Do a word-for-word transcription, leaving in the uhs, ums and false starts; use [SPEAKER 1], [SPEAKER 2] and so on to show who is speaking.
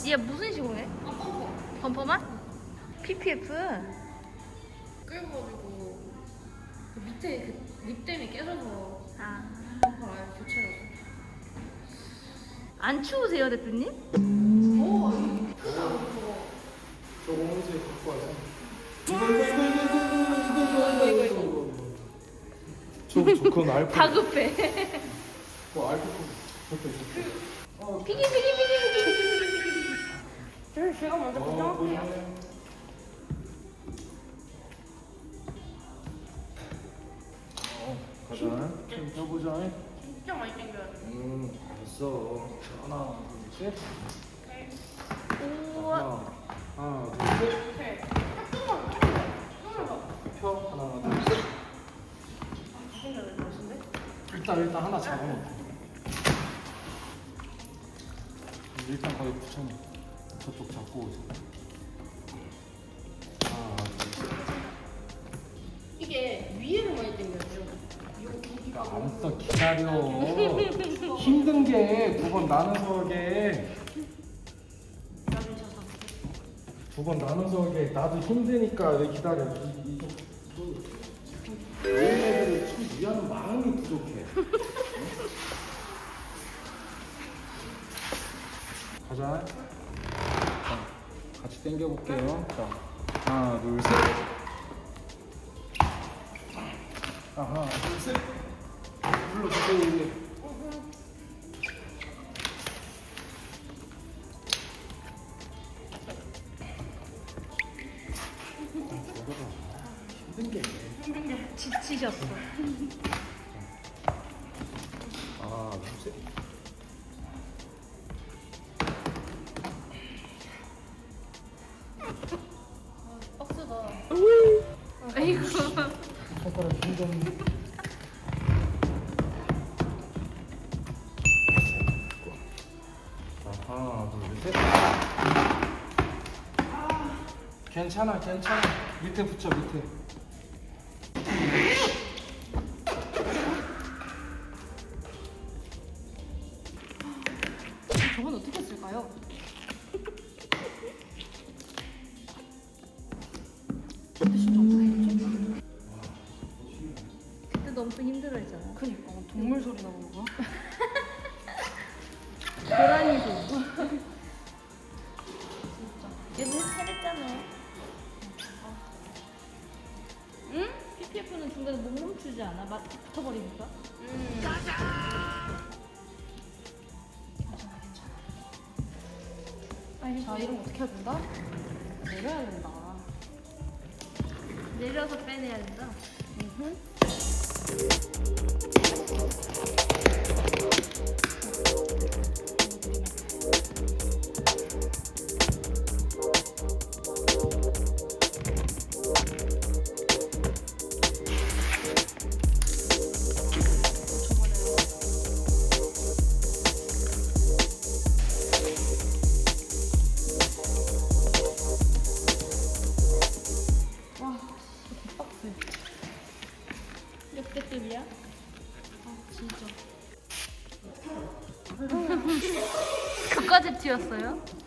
[SPEAKER 1] 얘 무슨 식으로 해?
[SPEAKER 2] 아, 펌퍼.
[SPEAKER 1] 범퍼만? 피피에프?
[SPEAKER 2] 끌어가지고 그 밑에 그 립댐이 깨져서
[SPEAKER 1] 아.
[SPEAKER 2] 펌퍼를 아예 교체를 하고.
[SPEAKER 1] 안 추우세요, 대표님?
[SPEAKER 2] 오, 아니, 크다, 저거.
[SPEAKER 3] 저거 언제 갖고 와서? 이거
[SPEAKER 2] 이거, 이거, 이거.
[SPEAKER 3] 저, 저 그건 알코.
[SPEAKER 1] 다급해.
[SPEAKER 3] 뭐 알코. 저거 저.
[SPEAKER 1] 피기, 피기, 피기, 피기.
[SPEAKER 2] 그래서 제가 먼저 고정할게요.
[SPEAKER 3] 어, 가자. 좀 펴보자.
[SPEAKER 2] 진짜 많이 당겨야 돼.
[SPEAKER 3] 음, 알았어. 하나, 둘, 셋.
[SPEAKER 1] 우와.
[SPEAKER 3] 하나, 하나, 둘, 셋.
[SPEAKER 2] 오케이. 조금만, 조금만 더.
[SPEAKER 3] 펴. 하나, 둘, 셋.
[SPEAKER 2] 다 당겨야 될 것 같은데?
[SPEAKER 3] 일단 일단 하나 잡아놓고. 일단 거기 붙여놓고. 저쪽 잡고 오자. 하나, 둘, 셋.
[SPEAKER 2] 이게 위에를 많이 당겨야죠. 여기가
[SPEAKER 3] 알았어, 기다려. 힘든 게 두 번 나눠서 하게.
[SPEAKER 2] 나중에 져서.
[SPEAKER 3] 두 번 나눠서 하게. 나도 힘드니까 왜 기다려. 이, 이, 이, 얘네들을 참 위하는 마음이 부족해. 가자. 자, 같이 당겨볼게요. 자, 하나, 둘, 셋. 하나, 둘, 셋. 눌러주세요, 이제. 힘든 게.
[SPEAKER 1] 힘든 게 지치셨어.
[SPEAKER 3] 하나, 둘, 셋.
[SPEAKER 2] 박스가.
[SPEAKER 1] 아이고.
[SPEAKER 3] 손가락 힘좀. 자, 하나, 둘, 셋. 괜찮아, 괜찮아. 밑에 붙여, 밑에.
[SPEAKER 2] 저건 어떻게 쓸까요? 근데 진짜 어떻게 했지?
[SPEAKER 1] 그때도 엄청 힘들어했잖아.
[SPEAKER 2] 그니까 동물 소리 나는 거야?
[SPEAKER 1] 고라니 소. 얘도 해냈잖아. 응? 피피에프는 중간에 못 멈추지 않아? 막 붙어버리니까?
[SPEAKER 2] 음.
[SPEAKER 1] 아니,
[SPEAKER 2] 자, 이런 거 어떻게 해야 된다? 내려야 된다.
[SPEAKER 1] 내려서 빼내야 된다.
[SPEAKER 2] 와, 진짜 빡세.
[SPEAKER 1] 몇 개급이야?
[SPEAKER 2] 아, 진짜.
[SPEAKER 1] 그까지 튀었어요?